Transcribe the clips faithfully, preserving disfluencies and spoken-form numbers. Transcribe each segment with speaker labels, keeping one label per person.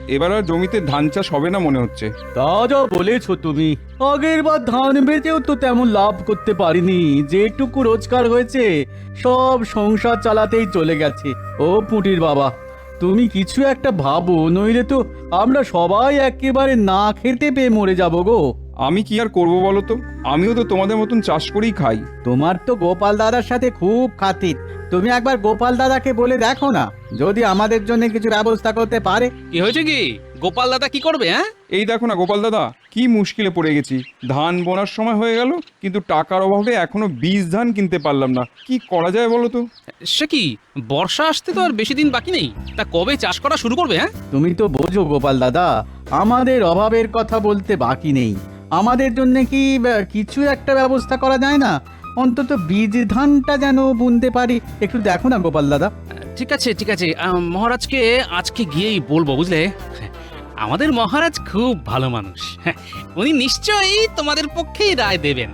Speaker 1: এবার আর জমিতে ধান চাষ হবে না মনে হচ্ছে।
Speaker 2: তা যা বলেছো তুমি, আগের বার ধান বেচেও তো তেমন লাভ করতে পারিনি। যেটুকু রোজগার হয়েছে সব সংসার চালাতেই চলে গেছে। ও পুঁটির বাবা, তুমি কিছু একটা ভাবো, নইলে তো আমরা সবাই একেবারে না খেতে পেয়ে মরে যাবো গো।
Speaker 1: আমি কি আর করবো বলো তো, আমিও তো তোমাদের মতন চাষ করেই খাই।
Speaker 2: তোমার তো গোপাল দাদার সাথে খুব খাতির, তুমি একবার গোপাল দাদাকে বলে দেখো না, যদি আমাদের জন্য কিছু ব্যবস্থা করতে পারে।
Speaker 3: কি হয়েছে কি? গোপাল দাদা কি করবে? হ্যাঁ,
Speaker 1: এই দেখো না গোপাল দাদা, কি মুশকিলে পড়ে গেছি। ধান বোনার সময় হয়ে গেল, কিন্তু টাকার অভাবে এখনো বীজ ধান কিনতে পারলাম না। কি করা যায় বলো তো?
Speaker 3: সে কি, বর্ষা আসতে তো আর বেশি দিন বাকি নেই, তা কবে চাষ করা শুরু করবে? হ্যাঁ,
Speaker 2: তুমি তো বোঝো গোপাল দাদা, আমাদের অভাবের কথা বলতে বাকি নেই। আমাদের জন্য কি আহ, কিছু একটা ব্যবস্থা করা যায় না? অন্তত বীজ ধানটা যেন বুনতে পারি, একটু দেখো না গোপাল দাদা।
Speaker 3: ঠিক আছে ঠিক আছে, আহ, মহারাজকে আজকে গিয়েই বলবো, বুঝলে? আমাদের মহারাজ খুব ভালো মানুষ, হ্যাঁ, উনি নিশ্চয়ই তোমাদের পক্ষেই রায় দেবেন।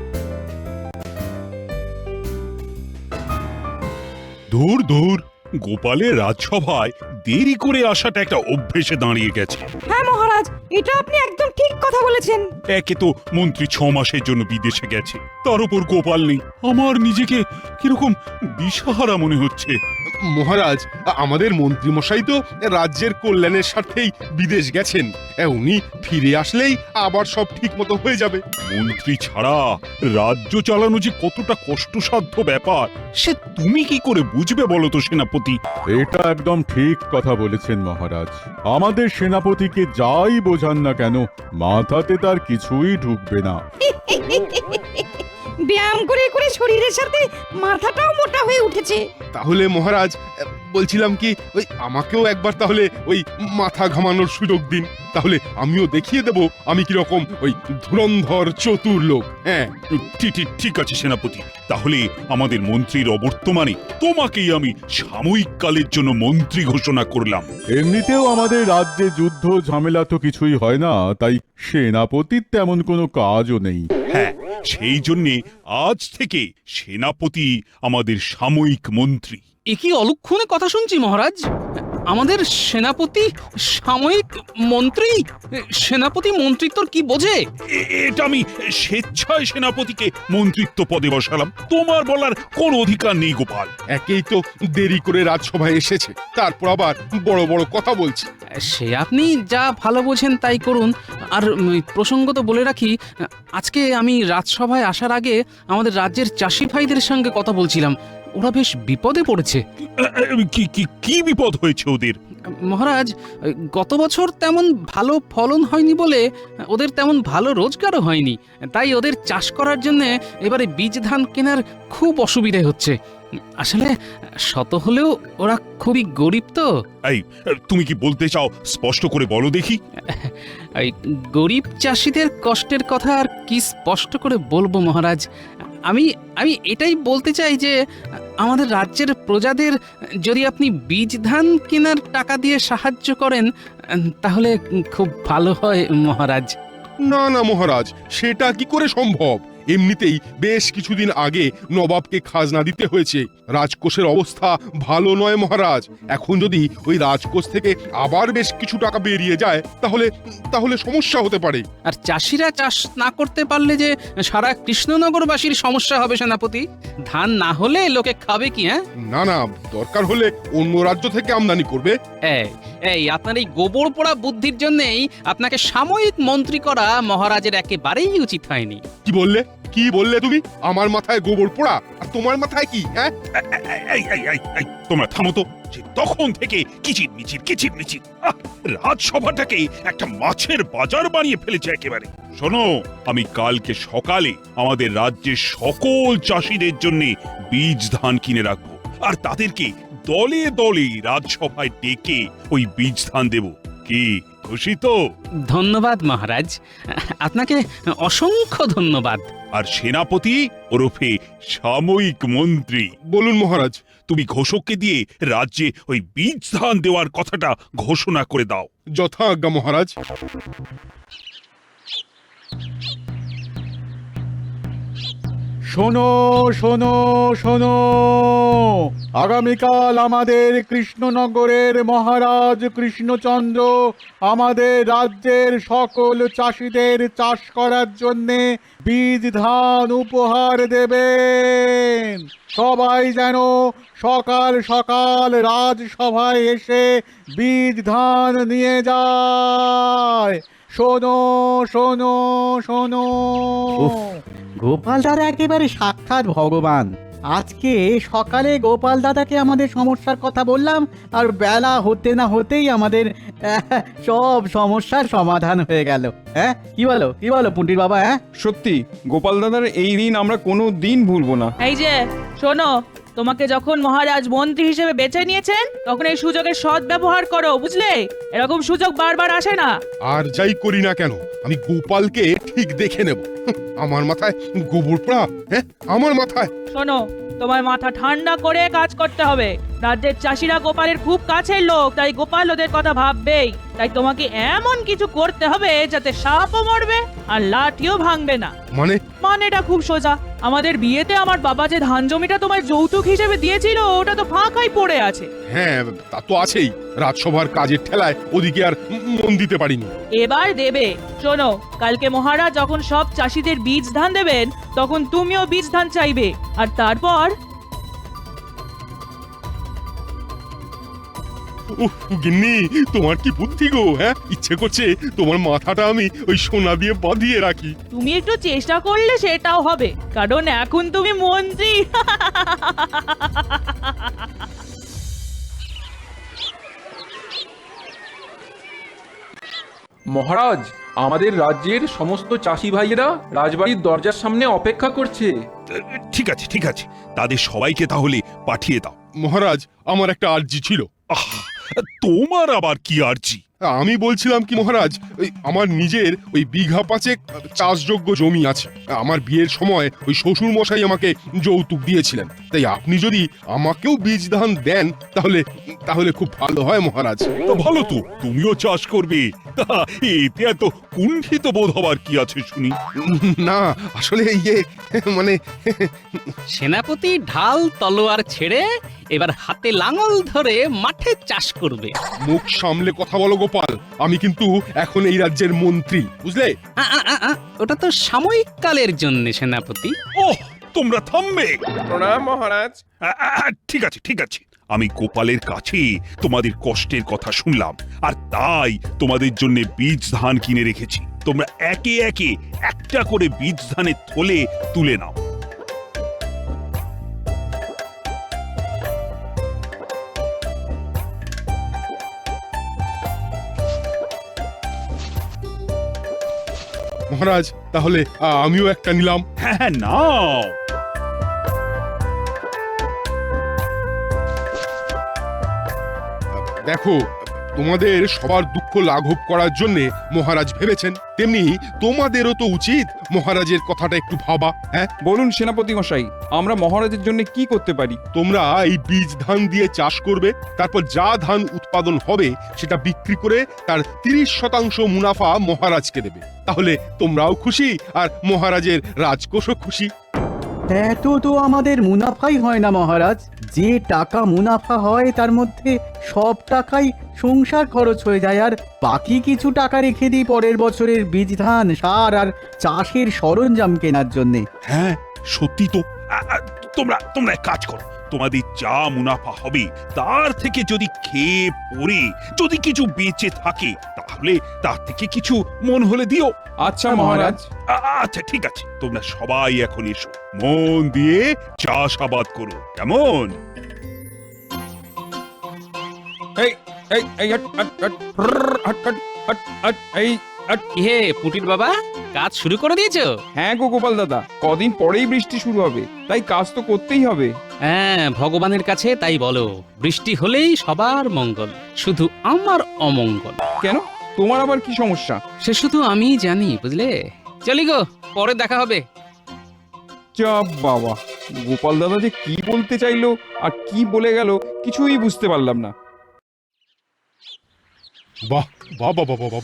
Speaker 4: দূর দূর, গোপালের রাজসভায় দেরি করে আসাটা একটা অভ্যেসে দাঁড়িয়ে গেছে।
Speaker 5: হ্যাঁ মহারাজ, এটা আপনি একদম ঠিক কথা বলেছেন।
Speaker 4: একে তো মন্ত্রী ছ মাসের জন্য বিদেশে গেছে, তার উপর গোপাল নেই। আমার নিজেকে কিরকম দিশাহারা মনে হচ্ছে।
Speaker 6: মহারাজ, আমাদের মন্ত্রী মশাই তো রাজ্যের কল্যাণের স্বার্থেই বিদেশ গেছেন। উনি ফিরে আসলেই আবার সব ঠিক মতো হয়ে যাবে।
Speaker 4: মন্ত্রী ছাড়া রাজ্য চালানো যে কতটা কষ্টসাধ্য ব্যাপার, সে তুমি কি করে বুঝবে বলো তো সেনাপতি?
Speaker 7: এটা একদম ঠিক কথা বলেছেন মহারাজ। আমাদের সেনাপতিকে যাই বোঝান না কেন, মাথাতে তার কিছুই ঢুকবে না।
Speaker 5: ব্যায়াম করে করে শরীরের সাথে মাথাটাও মোটা হয়ে উঠেছে।
Speaker 6: তাহলে মহারাজ, বলছিলাম কি, ওই আমাকেও একবার তাহলে ওই মাথা ঘামানোর সুযোগ দিন, তাহলে আমিও দেখিয়ে দেব আমি কিরকম ওই ধুরন্ধর চতুর লোক। হ্যাঁ,
Speaker 4: ঠিক ঠিক ঠিক আছে সেনাপতি, তাহলে আমাদের মন্ত্রীর অবর্তমানে তোমাকেই আমি সাময়িক কালের জন্য মন্ত্রী ঘোষণা করলাম।
Speaker 7: এমনিতেও আমাদের রাজ্যে যুদ্ধ ঝামেলা তো কিছুই হয় না, তাই সেনাপতির তেমন কোনো কাজও নেই।
Speaker 4: হ্যাঁ, সেই জন্যে আজ থেকে সেনাপতি আমাদের সাময়িক মন্ত্রী।
Speaker 3: এ কি অলক্ষণে কথা শুনছি মহারাজ? আমাদের সেনাপতি সাময়িক মন্ত্রী? সেনাপতি মন্ত্রিত্বর কি বোঝে?
Speaker 4: এ- এটা আমি স্বেচ্ছায় সেনাপতিকে মন্ত্রিত্ব পদে বসালাম, তোমার বলার কোন অধিকার নেই গোপাল।
Speaker 6: একেই তো দেরি করে রাজসভায় এসেছে, তারপর আবার বড় বড় কথা বলছে।
Speaker 3: সে আপনি যা ভালো বোঝেন তাই করুন। আর উম, প্রসঙ্গত বলে রাখি, আজকে আমি রাজসভায় আসার আগে আমাদের রাজ্যের চাষি ভাইদের সঙ্গে কথা বলছিলাম। ওরা বেশ বিপদে পড়েছে।
Speaker 4: কি কি কি বিপদ হয়েছে ওদের?
Speaker 3: মহারাজ, গত বছর তেমন ভালো ফলন হয়নি বলে ওদের তেমন ভালো রোজগারও হয়নি, তাই ওদের চাষ করার জন্য এবারে বীজ ধান কেনার খুব অসুবিধা হচ্ছে। আসলে শত হলেও ওরা খুবই গরিব তো।
Speaker 4: এই, তুমি কি বলতে চাও স্পষ্ট করে বলো দেখি।
Speaker 3: এই গরিব চাষিদের কষ্টের কথা আর কি স্পষ্ট করে বলবো মহারাজ? আমি আমি এটাই বলতে চাই যে আমাদের রাজ্যের প্রজাদের যদি আপনি বীজ ধান কেনার টাকা দিয়ে সাহায্য করেন তাহলে খুব ভালো হয় মহারাজ।
Speaker 6: না না মহারাজ, সেটা কি করে সম্ভব? এমনিতেই বেশ কিছুদিন আগে নবাবকে খাজনা দিতে হয়েছে। রাজকোষের অবস্থা ভালো নয় মহারাজ। এখন যদি ওই রাজকোষ থেকে আবার বেশ কিছু টাকা বেরিয়ে যায় তাহলে তাহলে সমস্যা হতে পারে।
Speaker 3: আর চাষিরা চাষ না করতে পারলে যে সারা কৃষ্ণনগরবাসীর সমস্যা হবে সেনাপতি। ধান না হলে লোকে খাবে কি? হ্যাঁ,
Speaker 6: না না, দরকার হলে অন্য রাজ্য থেকে আমদানি করবে।
Speaker 3: এই এই আপনার এই গোবর পোড়া বুদ্ধির জন্যই আপনাকে সাময়িক মন্ত্রী করা মহারাজের একেবারেই উচিত হয়নি।
Speaker 6: কি বললে কি বললে তুমি? আমার মাথায় গোবর পোড়া আর তোমার মাথায় কি? হ্যাঁ,
Speaker 4: এই, এই, এই, এই, তোমরা থামো তো। যে তখন থেকে কিচির মিচির কিচির মিচির, আহ, রাজসভাটাকে একটা মাছের বাজার বানিয়ে ফেলেছে একেবারে। শোনো, আমি কালকে সকালে আমাদের রাজ্যের সকল চাষিদের জন্য বীজ ধান কিনে রাখবো, আর তাদেরকে দলে দলে রাজসভায় ডেকে ওই বীজ ধান দেব। কি খুশি তো?
Speaker 3: ধন্যবাদ মহারাজ, আপনাকে অসংখ্য ধন্যবাদ।
Speaker 4: আর সেনাপতি ওরফে সাময়িক মন্ত্রী,
Speaker 6: বলুন মহারাজ।
Speaker 4: তুমি ঘোষককে দিয়ে রাজ্যে ওই বীজ ধান দেওয়ার কথাটা ঘোষণা করে দাও।
Speaker 6: যথা আজ্ঞা মহারাজ।
Speaker 7: শোনো শোনো শোনো, আগামীকাল আমাদের কৃষ্ণনগরের মহারাজ কৃষ্ণচন্দ্র আমাদের রাজ্যের সকল চাষিদের চাষ করার জন্যে বীজ ধান উপহার দেবেন। সবাই যেন সকাল সকাল রাজসভায় এসে বীজ ধান নিয়ে যায়। শোনো শোনো শোনো।
Speaker 2: উফ, গোপাল দাদা একেবারে সাক্ষাৎ ভগবান। আজকে সকালে গোপাল দাদাকে আমাদের সমস্যার কথা বললাম, আর বেলা হতে না হতেই আমাদের আহ, সব সমস্যার সমাধান হয়ে গেল। হ্যাঁ, কি বলো কি বলো পুঁটির বাবা? হ্যাঁ,
Speaker 1: সত্যি গোপাল দাদার এই দিন আমরা কোনো দিন ভুলবো না।
Speaker 8: এই যে শোনো, তোমাকে যখন মহারাজ মন্ত্রী হিসেবে বেছে নিয়েছেন তখন এই সুযোগের সৎ ব্যবহার করো, বুঝলে? এরকম সুযোগ বারবার আসে না।
Speaker 6: আর যাই করি না কেন, আমি গোপালকে ঠিক দেখে নেব। আমার মাথায় গোবর পোড়া, হ্যাঁ আমার মাথায়।
Speaker 8: শোনো, তোমার মাথা ঠান্ডা করে কাজ করতে হবে। রাজ্যের চাষিরা গোপালের খুব কাছের লোক, তাই গোপাল ওদের কথা ভাববেই। তাই তোমাকে এমন কিছু করতে হবে যাতে সাপও মরবে আর লাঠিও ভাঙবে না।
Speaker 6: মানে
Speaker 8: মানেটা খুব সোজা। আমাদের বিয়েতে আমার বাবা যে ধান জমিটা তোমার যৌতুক হিসেবে দিয়েছিল ওটা তো ফাঁকাই পড়ে আছে।
Speaker 6: হ্যাঁ, তা তো আছেই। রাজসভার কাজের ঠেলায় ওদিকে আর মন দিতে পারিনি।
Speaker 8: এবার দেবে। শোনো, কালকে মহারাজ যখন সব চাষিদের বীজ ধান দেবেন তখন তুমিও বীজ ধান চাইবে। আর তারপর
Speaker 6: উহ, গিন্নি তোমার কি বুদ্ধি গো, হ্যাঁ? ইচ্ছে করছে তোমার মাথাটা আমি ওই সোনা দিয়ে বাঁধিয়ে রাখি।
Speaker 8: তুমি একটু চেষ্টা করলে সেটাও হবে, কারণ এখন তুমি মন্ত্রী।
Speaker 9: মহারাজ, আমাদের রাজ্যের সমস্ত চাষি ভাইয়েরা রাজবাড়ির দরজার সামনে অপেক্ষা করছে।
Speaker 4: ঠিক আছে ঠিক আছে, তাদের সবাইকে তাহলে পাঠিয়ে দাও।
Speaker 6: মহারাজ, আমার একটা আর্জি ছিল।
Speaker 4: আহ, তোমার আবার কি আর্জি?
Speaker 6: আমি বলছিলাম কি মহারাজ, ওই আমার নিজের ওই বিঘা পাঁচেক চাষযোগ্য জমি আছে। আমার বিয়ের সময় ওই শ্বশুর মশাই আমাকে যৌতুক দিয়েছিলেন। তাই আপনি যদি আমাকেও বীজ ধান দেন তাহলে তাহলে খুব ভালো হয় মহারাজ।
Speaker 4: তো ভালো তো, তুমিও চাষ করবে। এতে এত কুণ্ঠিত বোধ হবার কি আছে শুনি?
Speaker 6: না আসলে ইয়ে মানে
Speaker 3: সেনাপতি ঢাল তলোয়ার ছেড়ে এবার হাতে লাঙল ধরে মাঠে চাষ করবে।
Speaker 6: মুখ সামলে কথা বলো গোপাল, আমি কিন্তু এখন এই রাজ্যের মন্ত্রী, বুঝলে?
Speaker 3: আ, আ, আ, আ, ওটা তো সাময়িক কালের জন্য সেনাপতি।
Speaker 4: ওহ, তোমরা থামবে।
Speaker 1: প্রণাম মহারাজ।
Speaker 4: আ, আ, আ, ঠিক আছে ঠিক আছে, আমি গোপালের কাছে তোমাদের কষ্টের কথা শুনলাম, আর তাই তোমাদের জন্য বীজ ধান কিনে রেখেছি। তোমরা একে একে একটা করে বীজ ধানের থলে তুলে নাও।
Speaker 6: মহারাজ, তাহলে আ, আমিও একটা নিলাম।
Speaker 4: হ্যাঁ হ্যাঁ, নাও।
Speaker 6: দেখো, তোমাদের সবার দুঃখ লাঘব করার জন্য মহারাজ ভেবেছেন, তেমনি তোমাদেরও তো উচিত মহারাজের কথাটা একটু ভাবা। হ্যাঁ,
Speaker 1: বলুন সেনাপতি মশাই, আমরা মহারাজের জন্য কি করতে পারি?
Speaker 6: তোমরা এই বীজ ধান দিয়ে চাষ করবে, তারপর যা ধান উৎপাদন হবে সেটা বিক্রি করে তার তিরিশ শতাংশ মুনাফা মহারাজকে দেবে। তাহলে তোমরাও খুশি আর মহারাজের রাজকোষও খুশি।
Speaker 2: এত তো আমাদের মুনাফাই হয় না মহারাজ। যে টাকা মুনাফা হয় তার মধ্যে সব টাকাই সংসার খরচ হয়ে যায়, আর বাকি কিছু টাকা রেখে দিই পরের বছরের বীজ ধান, সার আর চাষের সরঞ্জাম কেনার জন্যে।
Speaker 4: হ্যাঁ সত্যি তো। আ, আ, তোমরা তোমরা এক কাজ করো, তোমাদের যা মুনাফা হবে তার থেকে যদি খেয়ে পরে যদি কিছু বেঁচে থাকে তাহলে তার থেকে কিছু মন হলে দিও।
Speaker 1: আচ্ছা মহারাজ।
Speaker 4: আ- আচ্ছা ঠিক আছে, তোমরা সবাই এখন এসো, মন দিয়ে চাষাবাদ করো, কেমন?
Speaker 1: এই এই এই হট, হট, হট, প্ররর, হট, হট, হট, হট, এই হট।
Speaker 3: কি হে পুটির বাবা, কাজ শুরু করে দিয়েছো?
Speaker 1: হ্যাঁ গো গোপাল দাদা, কদিন পরেই বৃষ্টি শুরু হবে, তাই কাজ তো করতেই হবে।
Speaker 3: হ্যাঁ, ভগবানের কাছে তাই বলো, বৃষ্টি হলেই সবার মঙ্গল, শুধু আমার অমঙ্গল।
Speaker 1: কেন, তোমার আবার কি সমস্যা?
Speaker 3: সে শুধু আমিই জানি, বুঝলে। চলি গো, পরে দেখা হবে।
Speaker 1: যা বাবা, গোপাল দাদা যে কি বলতে চাইলো আর কি বলে গেল কিছুই বুঝতে পারলাম না।
Speaker 6: বাহ বাহ বাহ বাহ বাহ বাহ,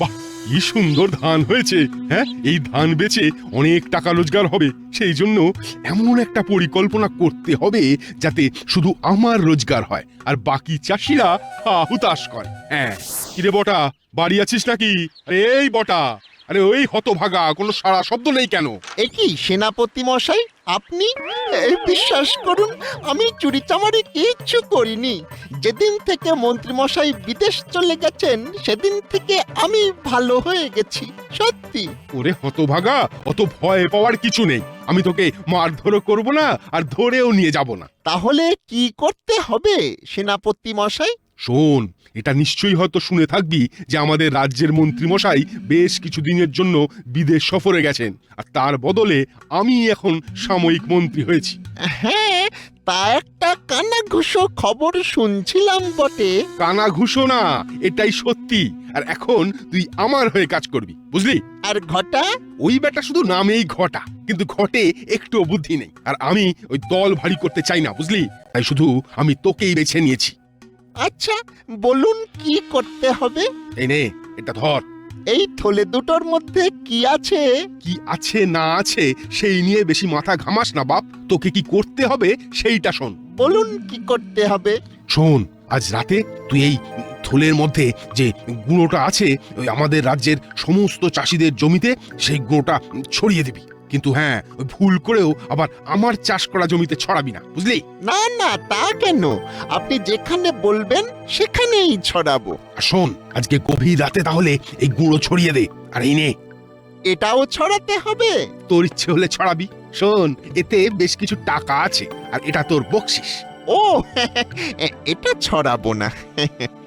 Speaker 6: কি সুন্দর ধান হয়েছে। হ্যাঁ, এই ধান বেচে অনেক টাকা রোজগার হবে। সেই জন্য এমন একটা পরিকল্পনা করতে হবে যাতে শুধু আমার রোজগার হয় আর বাকি চাষিরা হা হুতাশ করে। হ্যাঁ, কিরে বটা, বাড়ি আছিস নাকি? আরে এই বটা, আরে ওই হতভাগা, কোনো সারা শব্দ নেই কেন?
Speaker 10: একই সেনাপতি মশাই, আপনি? এই বিশ্বাস করুন, আমি চুরি চামারি কিচ্ছু করিনি। যেদিন থেকে মন্ত্রী মশাই বিদেশ চলে গেছেন সেদিন থেকে আমি ভালো হয়ে গেছি, সত্যি।
Speaker 6: ওরে হতভাগা, অত ভয় পাওয়ার কিছু নেই। আমি তোকে মারধরও করব না আর ধরেও নিয়ে যাব না।
Speaker 10: তাহলে কি করতে হবে সেনাপতি মশাই?
Speaker 6: শোন, এটা নিশ্চয়ই হয়তো শুনে থাকবি যে আমাদের রাজ্যের মন্ত্রী মশাই বেশ কিছুদিনের জন্য বিদেশ সফরে গেছেন, আর তার বদলে আমি এখন সাময়িক মন্ত্রী হয়েছি।
Speaker 10: হ্যাঁ, তা একটা কানাঘুষো খবর শুনছিলাম বটে।
Speaker 6: কানা ঘুষো না, এটাই সত্যি। আর এখন তুই আমার হয়ে কাজ করবি, বুঝলি?
Speaker 10: আর ঘটা?
Speaker 6: ওই বেটা শুধু নামেই ঘটা, কিন্তু ঘটে একটুও বুদ্ধি নেই। আর আমি ওই দল ভারী করতে চাই না, বুঝলি? তাই শুধু আমি তোকেই বেছে নিয়েছি।
Speaker 10: আচ্ছা, বলুন কি করতে হবে?
Speaker 6: এই নে, এটা ধর।
Speaker 10: এই থলে দুটোর মধ্যে কি আছে?
Speaker 6: কি আছে না আছে সেই নিয়ে বেশি মাথা ঘামাস না বাপ। তোকে কি করতে হবে সেইটা শোন।
Speaker 10: বলুন কি করতে হবে?
Speaker 6: শোন, আজ রাতে তুই এই থলের মধ্যে যে গুঁড়োটা আছে ওই আমাদের রাজ্যের সমস্ত চাষিদের জমিতে সেই গুঁড়োটা ছড়িয়ে দিবি। কিন্তু হ্যাঁ, ওই ভুল করেও আবার আমার চাষ করা জমিতে ছড়াবি না, বুঝলি?
Speaker 10: না না, তা কেন? আপনি যেখানে বলবেন সেখানেই ছড়াবো।
Speaker 6: আর শোন, আজকে গভীর রাতে তাহলে এই গুঁড়ো ছড়িয়ে দে। আর এই নে,
Speaker 10: এটাও ছড়াতে হবে?
Speaker 6: তোর ইচ্ছে হলে ছড়াবি। শোন, এতে বেশ কিছু টাকা আছে আর এটা তোর বকশিস।
Speaker 10: ও, এটা ছড়াবো না।